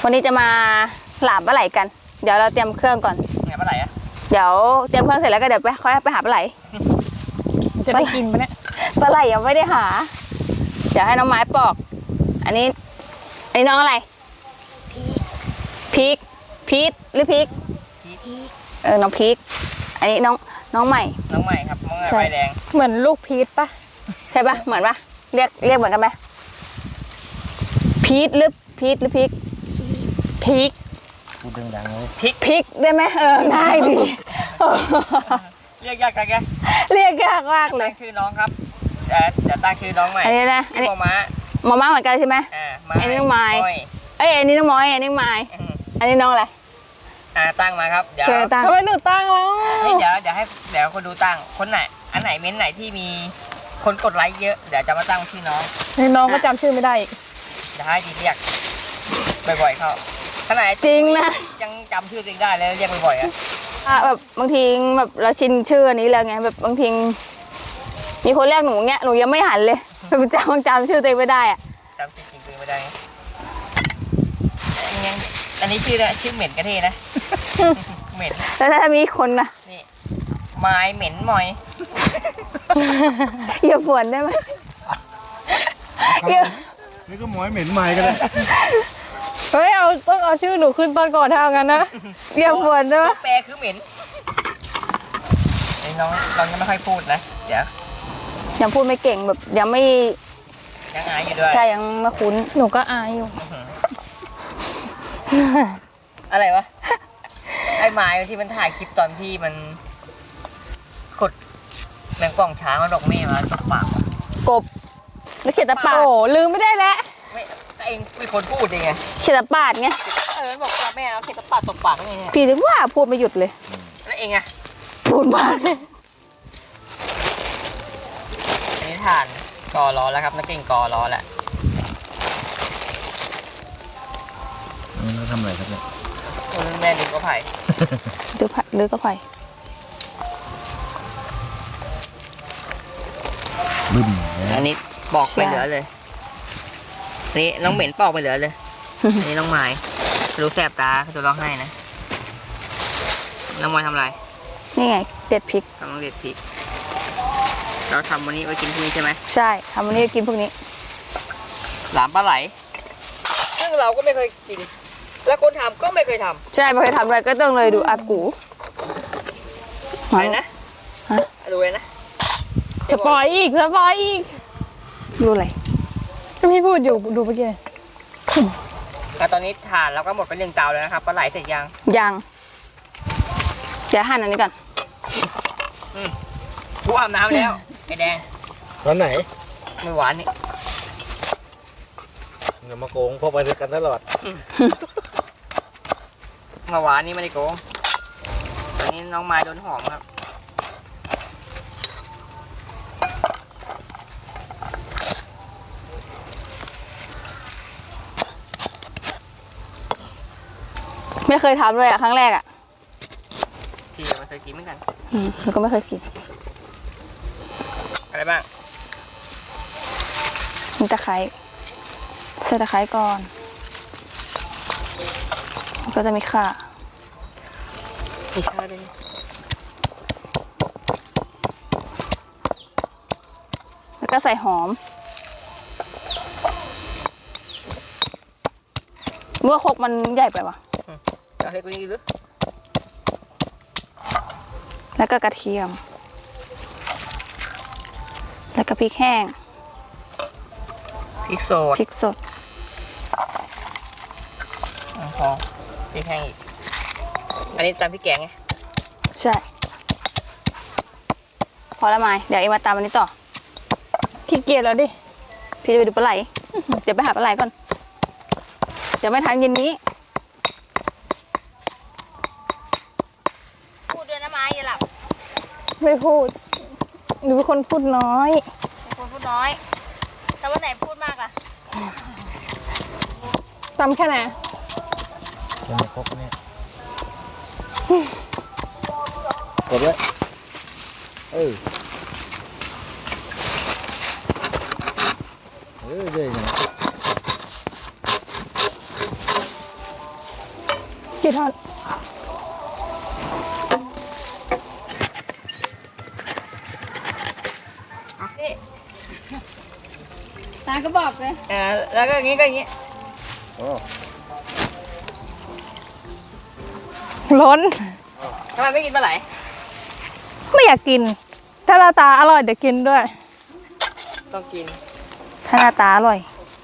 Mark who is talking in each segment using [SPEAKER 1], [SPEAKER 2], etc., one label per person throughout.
[SPEAKER 1] วันนี้จะมาหลามปลาไหลกันเดี๋ยวเราเตรียมเครื่องก่อน
[SPEAKER 2] ไงปลาไหลอะ
[SPEAKER 1] เดี๋ยวเตรียมเครื่องเสร็จแล้วก็เดี๋ยวค่อยไปหาปลาไหล
[SPEAKER 3] จะได้กินปะเนี่ย
[SPEAKER 1] ปลาไหลยังไม่ได้หาเดี๋ยวให้น้องไม้ปอกอันนี้น้องอะไรพีกหรือพีกน้องพีกอันนี้น้องใหม่
[SPEAKER 2] ครับน้องใหม่ใบแดง
[SPEAKER 3] เหมือนลูกพีชปะ
[SPEAKER 1] ใช่ปะเหมือนปะเรียกเหมือนกันไหมพีกหรือพีก
[SPEAKER 2] พูดดังๆเลย
[SPEAKER 1] พริกได้ไหมง่ายดี
[SPEAKER 2] เรียกยากกันแก
[SPEAKER 1] เรียกยากมากเลย
[SPEAKER 2] คือน้องครับจะตั้งชื่อน้องใหม่
[SPEAKER 1] อันนี้นะอันนี้
[SPEAKER 2] ม้า
[SPEAKER 1] เหมือนกันใช่ไหมอันนี้น้องไม้อันนี้น้องม้อยอันนี้ไม้อันนี้น้องอะไร
[SPEAKER 2] ตั้งมาครับเดี๋ยว
[SPEAKER 3] ทำไมหนูตั้งแล้ว
[SPEAKER 2] เดี๋ยวคนดูตั้งคนไหนอันไหนเม้นไหนที่มีคนกดไลค์เยอะเดี๋ยวจะมาตั้งชื่อ
[SPEAKER 3] น้องก็จำชื่อไม่ได้อีก
[SPEAKER 2] จะให้ดีเรียกบ่อยๆเขาขนาด
[SPEAKER 1] จริงนะ
[SPEAKER 2] ยังจำชื่อตัวเองได้เลยเรียกบ่อยๆ
[SPEAKER 1] แบบบางทีแบบเราชินชื่ออันนี้แล้วไงแบบบางทีมีคนเรียกหนูเงี้ยหนูยังไม่หันเลยจำชื่อตัวเองไม่ได้อะ
[SPEAKER 2] จำจริงๆตัวเองไม่ได้ยังอันนี้ชื่อเหม็นกระเทนะเหม็น
[SPEAKER 1] แล้วถ้ามีคนนะ
[SPEAKER 2] นี่ไม้เหม็นมอย
[SPEAKER 1] อย่าฝวนได้ไหม
[SPEAKER 4] นี่ก็หมอยเหม็นไม้ก็ได้
[SPEAKER 3] เฮ้ยต้องเอาชื่อหนูขึ้นตอนก่อนถ้าเอางั้นนะ
[SPEAKER 1] อย่าฝวนได้ไหม
[SPEAKER 2] แปลคือเหม็นน้องยังไม่ค่อยพูดนะเดี๋ยว
[SPEAKER 1] ยังพูดไม่เก่งแบบยังอ
[SPEAKER 2] ายอยู่ด้วย
[SPEAKER 1] ใช่ยังไม่คุ้น
[SPEAKER 3] หนูก็อายอยู่
[SPEAKER 2] อะไรวะไอ้ไม้ที่มันถ่ายคลิปตอนที่มันกดแมงป่องช้างเอาดอกเม่มาตบปาก
[SPEAKER 1] กบแล้วเขียนตะปาด
[SPEAKER 3] โอ้ลืมไม่ได้แล้ว
[SPEAKER 2] ไม่เองเป็นคนพูดเองไง
[SPEAKER 1] เขียนตะปาดไง
[SPEAKER 2] มันบอกว่าแม่เอาเขียนตะปาดตบปากไง
[SPEAKER 1] พี่ถึงว่าพูดไม่หยุดเลย
[SPEAKER 2] แล้วเองอะ
[SPEAKER 1] พูดมาก
[SPEAKER 2] อันนี้ทานกอล้อแล้วครับนักเก่งกอล้อแหละ
[SPEAKER 4] แล้วทำอะไรครับเนี่ย
[SPEAKER 2] แม่ดึงก็ไผ่
[SPEAKER 1] ดึงก็ไผ่
[SPEAKER 4] บึ้ม
[SPEAKER 2] อันนี้ปอกไปเหลือเลยนี่น้องเหม็นปอกไปเหลือเลยอันนี้น้องไม้รู้แสบตาเขาจะร้องไห้นะน้องไม้ทำอะไร
[SPEAKER 1] นี่ไงเด็ดพริก
[SPEAKER 2] กำลังเด็ดพริกเราทำวันนี้ไว้กินพรุ่งนี้ใช่ไหม
[SPEAKER 1] ใช่ทำวันนี้กินพวกนี้
[SPEAKER 2] หลามปลาไหลซึ่งเราก็ไม่เคยกินแล้วคนทำก็ไม่เคยทำ
[SPEAKER 1] ใช่ไม่เคยทำอะไรก็ต้องเลยดูอากู
[SPEAKER 2] อะไรนะดูเลยนะ
[SPEAKER 3] สปอยอีก
[SPEAKER 1] ดูอะไร
[SPEAKER 3] พี่พูดอยู่ดูเมื่อกี้
[SPEAKER 2] ตอนนี้ทานแล้วก็หมดไป1 เตาแล้วนะครับปลาไหลเสร็จยัง
[SPEAKER 1] เดี๋ยวหั่นอันนี้ก่อน
[SPEAKER 2] กูอาบน้ำแล้วไอ้แดง
[SPEAKER 4] ตอนไหน
[SPEAKER 2] ไม่หวานนี่
[SPEAKER 4] อย่ามาโกงพวกไปด้วยกันตลอด
[SPEAKER 2] มาหวานนี่ไม่ได้โกงตอนนี้น้องไม้โดนหอมครับ
[SPEAKER 1] ไม่เคยทำเลยครั้งแรก
[SPEAKER 2] พี่ไม่เคยกินเหมือนกัน
[SPEAKER 1] หนูก็ไม่เคยกิน
[SPEAKER 2] อะไรบ้าง
[SPEAKER 1] มีตะไคร้ใส่ตะไคร้ก่อนก็จะมีข่า
[SPEAKER 2] เลย
[SPEAKER 1] แล้วก็ใส่หอมเมื่อครกมันใหญ่ไปวะ
[SPEAKER 2] จะให้กูนี่หรือ
[SPEAKER 1] แล้วก็กระเทียมแล้วก็พริกแห้ง
[SPEAKER 2] พริกสดพอพริกแห้งอีกอันนี้ตำพริกแกงไง
[SPEAKER 1] ใช่พอละไม้เดี๋ยวเอ็มมาตำอันนี้ต่อ
[SPEAKER 3] ขี้เกียจแล้วดิ
[SPEAKER 1] พี่จะไปดูปลาไหลเดี๋ยวไปหาปลาไหลก่อนเดี๋ยวไม่ทันเย็นนี้พูดด้วยนะไม้อย่าหลับ
[SPEAKER 3] ไม่พูดหนูเป็นคนพูดน้อย
[SPEAKER 1] แต่วันไหนพูดมากล่ะ
[SPEAKER 3] ตำแค่ไหน
[SPEAKER 4] จะมาครบเนี่ยกดไว้เยอะ
[SPEAKER 3] กี่ท่อน
[SPEAKER 1] นี่ตาก็บอกเลย
[SPEAKER 2] แล้วก็อย่างงี้ก็อย่างงี้
[SPEAKER 4] โอ้
[SPEAKER 3] ล้น
[SPEAKER 2] ทำไมไม่กินปลาไหล
[SPEAKER 3] ไม่อยากกิน ถ้าหน้าตาอร่อยเดี๋ยวกินด้วย
[SPEAKER 2] ต้องกิน
[SPEAKER 1] ถ้าหน้าตาอร่อย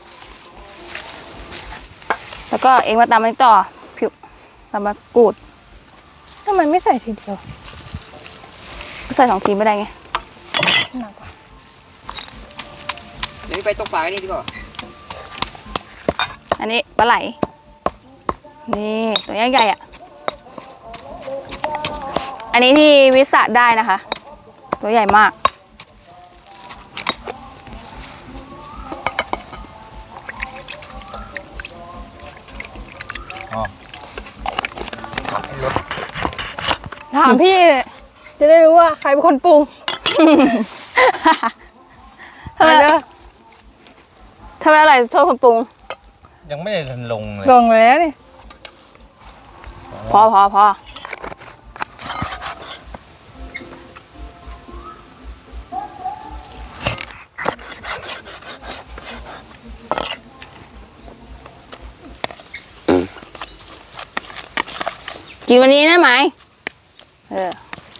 [SPEAKER 1] แล้วก็เองมาตำมันต่อผิวตำมากรูด
[SPEAKER 3] ทำไมไม่ใส่ทีเดียว
[SPEAKER 1] ใส่2 ทีไม่ได้ไง
[SPEAKER 3] หนักกว่า
[SPEAKER 2] เดี๋ยวไปตกปลากันนี่ดีกว่า
[SPEAKER 1] อันนี้ปลาไหล นี่ตัวใหญ่ๆอ่ะ อันนี้ที่วิสะได้นะคะ ตัวใหญ่มาก
[SPEAKER 4] อ๋อผักให้รส
[SPEAKER 3] ถามพี่ จะได้รู้ว่าใครเป็นคนปรุง
[SPEAKER 1] ทำไม
[SPEAKER 3] เด้อ
[SPEAKER 1] ทำไมอร่อยโทษคนปรุง
[SPEAKER 4] ยังไม่ได้ทันลงเลย
[SPEAKER 3] ลงแล้วนี่
[SPEAKER 1] พอกินวันนี้นะไหมเออ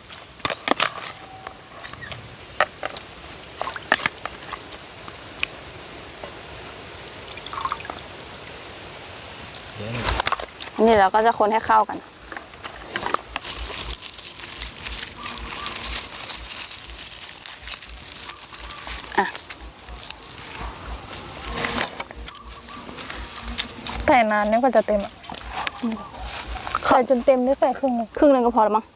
[SPEAKER 4] เดี๋ยว
[SPEAKER 1] อันนี้เราก็จะคนให้เข้ากัน
[SPEAKER 3] ใส่นานนี่ก็จะเต็มอ่ะใส่จนเต็มได้ใส่ครึ่งหนึง
[SPEAKER 1] ครึ่งหนึงก็พอแล้วมั้ง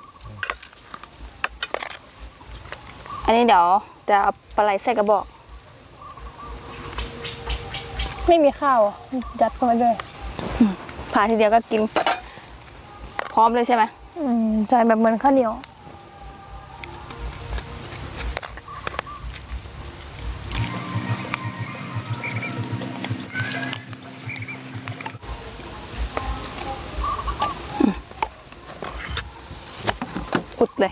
[SPEAKER 1] อันนี้เดี๋ยวจะเอาปลาไหลใส่กระบอก
[SPEAKER 3] ไม่มีข้าวอ่ะยัดเข้าไปด้วย
[SPEAKER 1] ผ่าทีเดียวก็กิน พร้อมเลยใช่ไหม
[SPEAKER 3] ใส่แบบเหมือนข้าวเหนียว
[SPEAKER 1] กุดเลย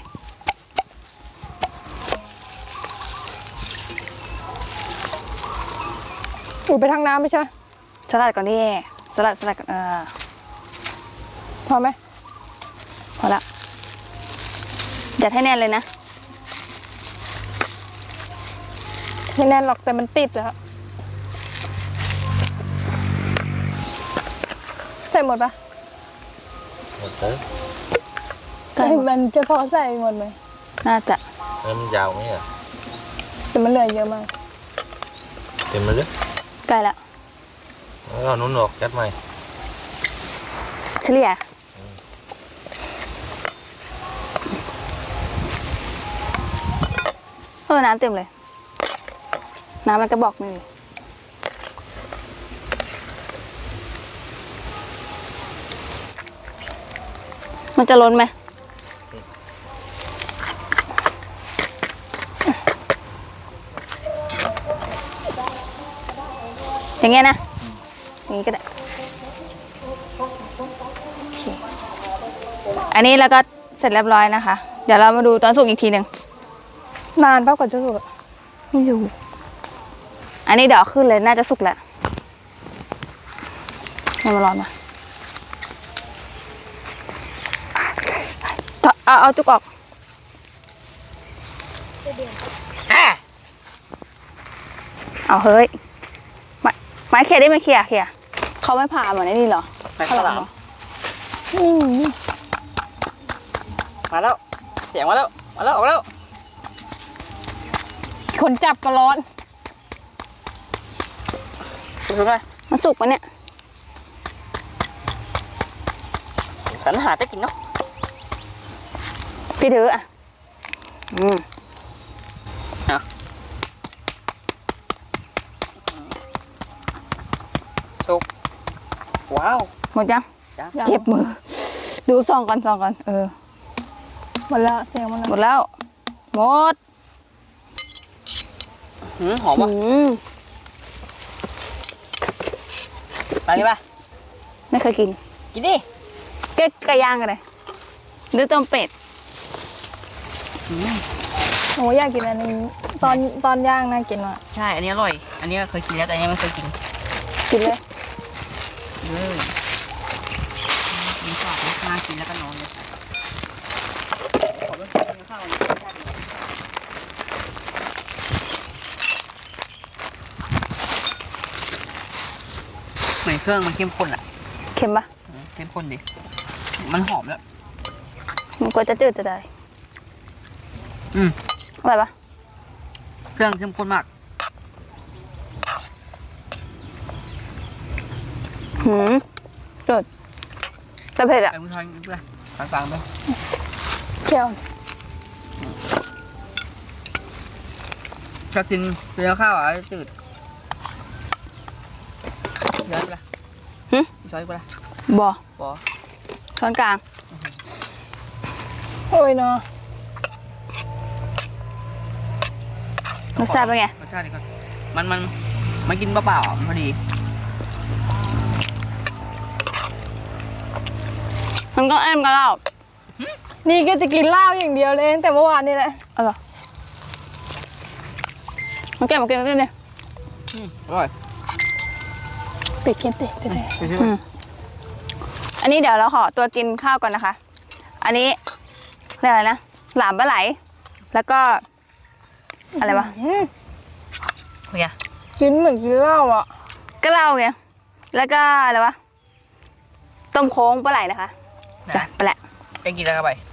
[SPEAKER 3] อยู่ไปทางน้ำไม่ใช่
[SPEAKER 1] สลัดก่อนดิสลัดก่อน
[SPEAKER 3] พอไหม
[SPEAKER 1] พอละยัดให้แน่นเลยนะ
[SPEAKER 3] ไม่แน่นหรอกแต่มันติดแล้วใส่หมดปะ
[SPEAKER 4] หมดเลย
[SPEAKER 1] ใส่หมด
[SPEAKER 3] มันจะพอใส่หมดไหม
[SPEAKER 1] น่าจะ
[SPEAKER 4] แล้วมันยาวไหมอ่ะ
[SPEAKER 3] แต่มันเหลือเยอะมาก
[SPEAKER 4] เต็มมาเลย
[SPEAKER 1] ใกล้แล้ว
[SPEAKER 4] แล้วเอานุ่นออกยัดใหม่
[SPEAKER 1] เฉลี่ยน้ำเต็มเลย น้ำมันกระบอกนึงมันจะล้นไหมอย่างเงี้ยนะ อย่างงี้ก็ได้โอเคอันนี้แล้วก็เสร็จเรียบร้อยนะคะ เดี๋ยวเรามาดูตอนสุกอีกทีหนึ่ง
[SPEAKER 3] นานปะกว่าจะสุกอะ
[SPEAKER 1] ไม่รู้อันนี้เดี๋ยวเอาขึ้นเลยน่าจะสุกแล้วมันมาร้อนมาเอาจุกออกเอาเฮ้ยไม้เขี่ยได้ไหมเขี่ยเขาไม่ผ่าเหมือนไอ้นี่เหรอ
[SPEAKER 2] ไปข้าวหลาม
[SPEAKER 3] นี่
[SPEAKER 2] มาแล้ว เสียงมาแล้ว ออกแล้ว
[SPEAKER 3] คนจับก็ร้อน
[SPEAKER 2] สุกเลย
[SPEAKER 1] มันสุกปะเนี่ย
[SPEAKER 2] ฉันหาได้กินเนาะ
[SPEAKER 1] พี่ถืออ่ะ
[SPEAKER 2] สุก ว้าว
[SPEAKER 1] หมดยัง
[SPEAKER 2] จ้ะ
[SPEAKER 1] เจ็บมือ ดูซองก่อน
[SPEAKER 3] หมดแล้วเสียงมัน
[SPEAKER 1] หมดแล้ว หมด
[SPEAKER 2] หอมวะ
[SPEAKER 1] ม
[SPEAKER 2] ไปกินปะ
[SPEAKER 1] ไม่เคยกิน
[SPEAKER 2] กินดิ
[SPEAKER 1] เก๊กไก่ย่างกันเลยหรือต้มเป็ด
[SPEAKER 3] โอ้อยากกินอันนี้ตอนย่างน่ากินว่ะ
[SPEAKER 2] ใช่ อันนี้อร่อย อันนี้เคยกินแล้วแต่อันนี้ไม่เคยกิน
[SPEAKER 3] กินเลย
[SPEAKER 2] มีสอดน่ากินแล้วก็นอนเลยเหมือนเครื่องมันเข้มข้นอ่ะ
[SPEAKER 1] เค็มปะ
[SPEAKER 2] เข้มข้นดิ มันหอมแล้ว
[SPEAKER 1] มันก็จะจืดจะได้
[SPEAKER 2] อืม
[SPEAKER 1] อร่อยปะ
[SPEAKER 2] เครื่องเข้มข้นมาก
[SPEAKER 1] จืดแต่เผ็ดอ่ะ
[SPEAKER 2] ไอ้ผู้ชายอีกเลยฟังๆไป
[SPEAKER 3] แก้ว
[SPEAKER 2] ชอบกินเป็นข้าวอ่ะจืดย้อยไปละช้อยไปละ
[SPEAKER 1] บ่
[SPEAKER 2] บอ
[SPEAKER 1] ช้อนกลาง
[SPEAKER 3] โอ้ยเนาะ
[SPEAKER 1] รสชาติเป็นไง
[SPEAKER 2] รสชาติดีก่อนมันกินเปล่าๆอ่ะมันพอดี
[SPEAKER 1] มันก็เอ็มกับเรา
[SPEAKER 3] นี่ก็จะกินเหล้าอย่างเดียวเลยตั้งแต่เมื่อวานนี่แหละ
[SPEAKER 1] อร่อยมันแก้มมันกินกันเนี่ย
[SPEAKER 2] อร่อย
[SPEAKER 3] ติดกินติดได้
[SPEAKER 2] ไปใช่ไหม
[SPEAKER 1] อันนี้เดี๋ยวเราขอตัวกินข้าวก่อนนะคะ อันนี้เรียกอะไรนะ หลามปลาไหล แล้วก็ อะไรวะ
[SPEAKER 2] เฮีย
[SPEAKER 3] กินเหมือนกินเหล้าอ่ะ
[SPEAKER 1] ก็เหล้าไง แล้วก็อะไรวะ ต้มโค้งปลาไหลนะคะจ้ะ
[SPEAKER 2] นะ
[SPEAKER 1] ไปแหละ
[SPEAKER 2] จะกินอะไรเข้าไป